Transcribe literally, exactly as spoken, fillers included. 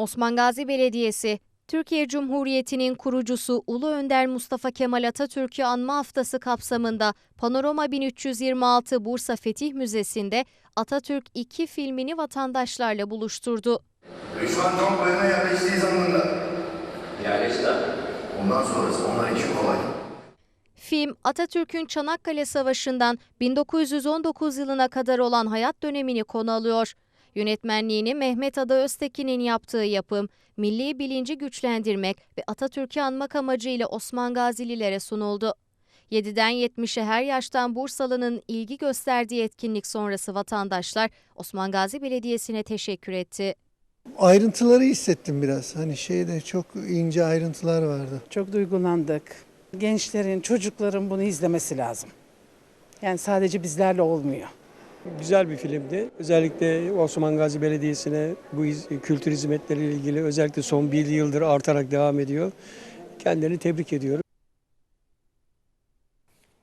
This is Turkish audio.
Osman Gazi Belediyesi, Türkiye Cumhuriyeti'nin kurucusu Ulu Önder Mustafa Kemal Atatürk'ü anma haftası kapsamında Panorama bin üç yüz yirmi altı Bursa Fetih Müzesi'nde Atatürk iki filmini vatandaşlarla buluşturdu. Ve şu an tam bayına yerleştiği zamanında. Yerleşti. Ondan sonrası onlar için kolay. Film, Atatürk'ün Çanakkale Savaşı'ndan bin dokuz yüz on dokuz yılına kadar olan hayat dönemini konu alıyor. Yönetmenliğini Mehmet Ada Öztekin'in yaptığı yapım, milli bilinci güçlendirmek ve Atatürk'ü anmak amacıyla Osman Gazililere sunuldu. yediden yetmişe her yaştan Bursalı'nın ilgi gösterdiği etkinlik sonrası vatandaşlar Osman Gazi Belediyesi'ne teşekkür etti. Ayrıntıları hissettim biraz. Hani şeyde çok ince ayrıntılar vardı. Çok duygulandık. Gençlerin, çocukların bunu izlemesi lazım. Yani sadece bizlerle olmuyor. Güzel bir filmdi. Özellikle Osman Gazi Belediyesi'ne bu kültür hizmetleriyle ilgili özellikle son bir yıldır artarak devam ediyor. Kendilerini tebrik ediyorum.